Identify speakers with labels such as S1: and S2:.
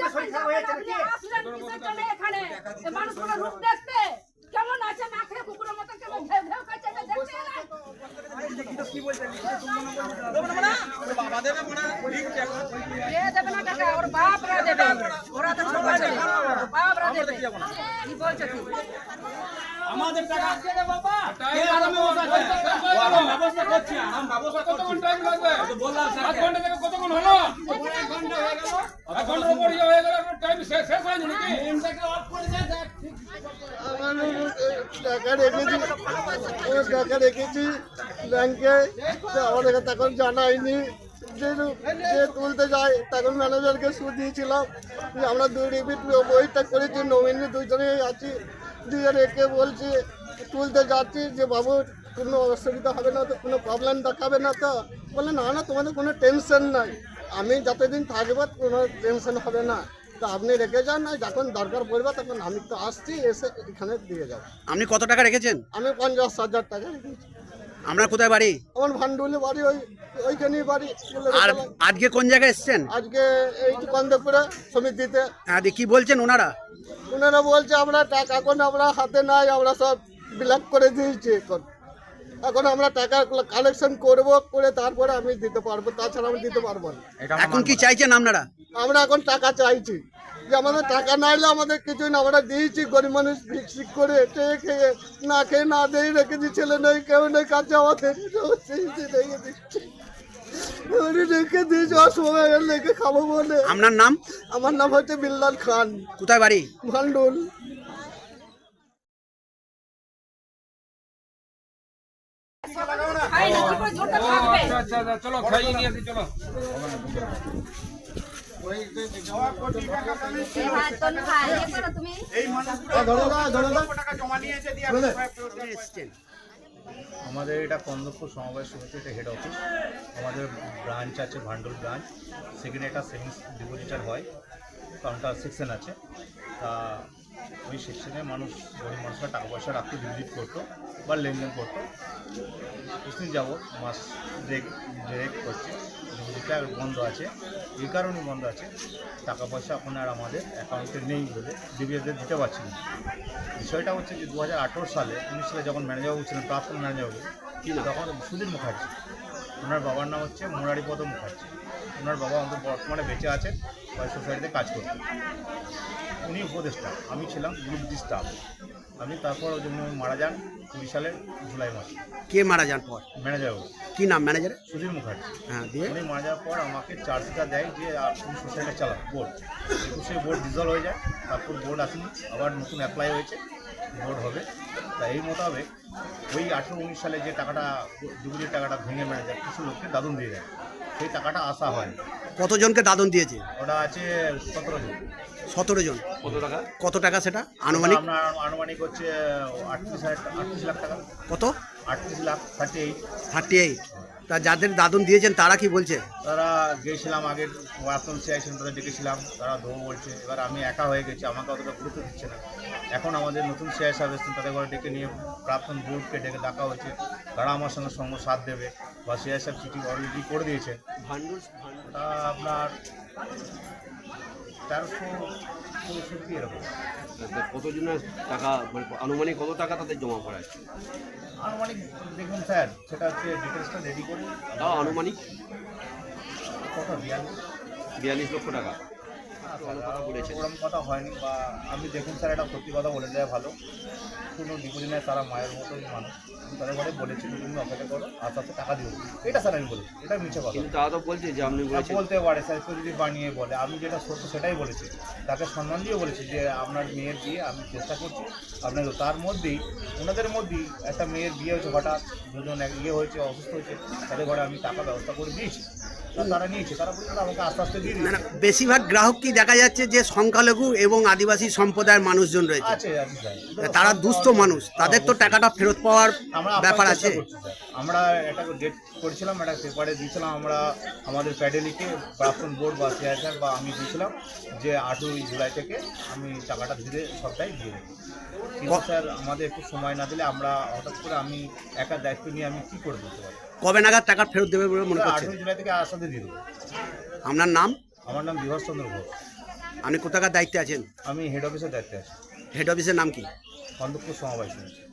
S1: কেমন আছে না খেয়ে কুকুরের মতো কেমন ঘেউ ঘেউ করছে দেখতে
S2: কি বলছেন বাবা দেবে মনে
S1: দেবে না টাকা ওর বাপরা দেবে ওরা তো সবাই দেবে বাপরা দেবে কি বলছো কি
S2: আমাদের টাকা দেবে বাবা কে আরামে বসে ব্যবস্থা করছি আমি ব্যবস্থা কতক্ষণ টাইম লাগবে তো বললাম 7 ঘন্টা থেকে কতক্ষণ হলো 1 ঘন্টা হয়ে গেল 1 ঘন্টার উপর হয়ে গেল টাইম শেষ হয়নি নাকি এমটাকে অফ করে দেন
S3: টাকা রেখেছি ব্যাংকে আমাদের তখন জানাইনি যে তুলতে যাই তখন ম্যানেজারকে সুদ দিয়েছিলাম আমরা 2 রিপিট বইটা করেছি নমিনি দুজনেই আছি দিয়ে রেখে বলছি তুলতে যাচ্ছি যে বাবু কোনো অসুবিধা হবে না তো কোনো প্রবলেম দেখাবে না তো বলে না না তোমাদের কোনো টেনশন নাই আমি যতদিন থাকবো কোনো টেনশন হবে না তো আপনি রেখে যান না যখন দরকার পড়বে তখন আমি তো আসছি এসে এখানে দিয়ে যাবো।
S4: আপনি কত টাকা রেখেছেন?
S3: আমি 50,000 টাকা রেখেছি।
S4: আপনার কোথায় বাড়ি?
S3: আমার ভান্ডুলে বাড়ি ওইখানেই বাড়ি।
S4: আর আজকে কোন জায়গায় এসেছেন?
S3: আজকে এই কন্দপুরে সমিতিতে।
S4: হ্যাঁ, কি বলছেন ওনারা?
S3: ওনারা বলছে আমরা টাকা এখন আমরা হাতে নাই, আমরা সব ব্লক করে দিয়েছি। এখন আমরা টাকা কালেকশন করে তারপরে আমি দিতে পারবো, তাছাড়া আমি দিতে পারবো না।
S4: এখন কি চাইছেন আপনারা?
S3: আমরা এখন টাকা চাইছি যে আমাদের টাকা না এলে আমাদের কিছুই না, আমরা দিয়েছি গরিব মানুষ ভিক্ষিক করে খেয়ে না খেয়ে না দিয়ে রেখেছি, ছেলে নেই কেউ নেই কাছে আমাদের রেখে দিয়েছি অসময় রেখে খাবো বলে।
S4: আপনার নাম?
S3: আমার নাম হচ্ছে বিল্লাল খান।
S4: কোথায় বাড়ি?
S3: ভান্ডুল।
S2: চলো খাইয়ে নিয়ে আসি চলো
S5: আমাদের এটা কন্দপুর সমবায় সমিতি, এটা হেড অফিস। আমাদের ব্রাঞ্চ আছে ভান্ডুল ব্রাঞ্চ, সেখানে একটা সেভিংস ডিপোজিটার হয়, কাউন্টার সেকশন আছে। তা ওই সেকশনে মানুষ গরিব মানুষরা টাকা পয়সা রাখতে ডিপোজিট করতো বা লেনদেন করতো। কিছুদিন যাবত মাস ব্রেক করছে, ডিপোজিটটা বন্ধ আছে। এই কারণে বন্ধ আছে, টাকা পয়সা এখন আর আমাদের অ্যাকাউন্টে নেই বলে ডিবিএসদের দিতে পারছি না। বিষয়টা হচ্ছে যে 2018 সালে 19 সালে যখন ম্যানেজারবাবু ছিলেন, প্রাক্তন ম্যানেজারবাবু, তখন সুধীর মুখার্জি, ওনার বাবার নাম হচ্ছে মুরারিপদ মুখার্জি। ওনার বাবা আমাদের বর্তমানে বেঁচে আছেন, সোসাইটিতে কাজ করতেন। উনি উপদেষ্টা, আমি ছিলাম গ্রুপ ডি স্টাফ। আমি তারপর ওই জন্য মারা যান 20 সালের জুলাই মাসে।
S4: কে মারা যান পর?
S5: ম্যানেজারবাবু।
S4: কি নাম ম্যানেজার?
S5: সুধীর মুখার্জি।
S4: হ্যাঁ, দিয়ে
S5: উনি মারা যাওয়ার পর আমাকে চার্জটা দেয় যে আপনি সোসাইটি চালান বোর্ড, কিন্তু সেই বোর্ড ডিজলভ হয়ে যায়। তারপর বোর্ড আসেনি, আবার নতুন অ্যাপ্লাই হয়েছে, বোর্ড হবে। তা এই মোতাবেক ওই 18-19 সালে যে টাকাটা ডিপোজিট টাকাটা ভেঙে ম্যানেজার কিছু লোককে দাদন দিয়ে দেয়, সেই টাকাটা আসা হয়।
S4: কতজনকে দাদন দিয়েছে?
S5: ওটা আছে 17 জন।
S4: 17 জন। কত টাকা সেটা আনুমানিক?
S5: আপনার আনুমানিক হচ্ছে 38 লাখ টাকা।
S4: কত?
S5: 38 লাখ
S4: 38। তা যাদের দাদন দিয়েছেন তারা কি বলছে?
S5: তারা গিয়েছিলাম আগে ওয়ার্তন চেয়েছিলেন, তাদের ডেকেছিলাম, তারা দেবো বলছে। এবার আমি একা হয়ে গেছি, আমাকে অতটা গুরুত্ব দিচ্ছে না। এখন আমাদের নতুন চেয়ার সাহেব এসেছেন, তাদের ঘরে ডেকে নিয়ে প্রাক্তন বোর্ডকে ডাকা হয়েছে, তারা আমার সঙ্গে সাথ দেবে বা চেয়ার সাহেব চিঠি অলরেডি করে দিয়েছে। ভান্ডুলটা আপনার 1365 এরকম।
S6: কতজনের টাকা মানে আনুমানিক কত টাকা তাদের জমা করা আছে?
S5: আনুমানিক দেখুন স্যার, সেটা হচ্ছে ডিটেলসটা রেডি করে।
S6: তাও আনুমানিক
S5: কত?
S6: 42 লক্ষ টাকা।
S5: ওরকম কথা হয়নি, বা আমি দেখুন স্যার, এটা সত্যি কথা বলে দেওয়া ভালো। কোনো ডিপোজিট নেয়, তারা মায়ের মতোই মানুষ। তাদের ঘরে বলেছি তুমি অপেক্ষা করো, আস্তে আস্তে টাকা দিব। এটা স্যার আমি বলেছি, এটা মিছে কথা।
S6: কিন্তু তারা তো বলছে যে আপনি
S5: বলতে পারে স্যার, কেউ যদি বানিয়ে বলে। আমি যেটা সত্য সেটাই বলেছি, তাকে সম্মান দিয়ে বলেছি যে আপনার মেয়ের বিয়ে আমি চেষ্টা করছি আপনাকে। তার মধ্যেই ওনাদের মধ্যেই একটা মেয়ের বিয়ে হয়েছে, হঠাৎ দুজন হয়েছে, অসুস্থ হয়েছে, তাদের ঘরে আমি টাকা ব্যবস্থা করে দিয়েছি। তারা নিয়েছে, তারা বলছে আমাকে আস্তে আস্তে দিয়ে দিয়েছে।
S4: বেশিরভাগ গ্রাহক কি দেখা যাচ্ছে যে সংখ্যালঘু এবং আদিবাসী সম্প্রদায়ের মানুষজন রয়েছে, তারা দুস্থ মানুষ, তাদের তো টাকাটা ফেরত পাওয়ার ব্যাপার আছে।
S5: আমরা একটা ডেট করেছিলাম, একটা পেপারে দিয়েছিলাম, আমরা আমাদের প্যাডেলিকে প্রাক্তন বোর্ড বা চেয়ারম্যান বা আমি দিয়েছিলাম যে 8ই জুলাই থেকে আমি টাকাটা ধীরে সবটাই দিয়ে দেবো। কিন্তু স্যার আমাদের একটু সময় না দিলে আমরা হঠাৎ করে আমি একা দায়িত্ব নিয়ে আমি কী করে দিতে পারি।
S4: কবে নাগাদ টাকা ফেরত দেবে বলে মনে করছেন?
S5: 8ই জুলাই থেকে আসাতে দিয়ে দেবো।
S4: আপনার নাম?
S5: আমার নাম বিভাস চন্দ্র ঘোষ।
S4: আপনি কোথাকার দায়িত্বে আছেন?
S5: আমি হেড অফিসের দায়িত্বে আছি।
S4: হেড অফিসের নাম কি?
S5: কন্দপুর সমবায় সমিতি।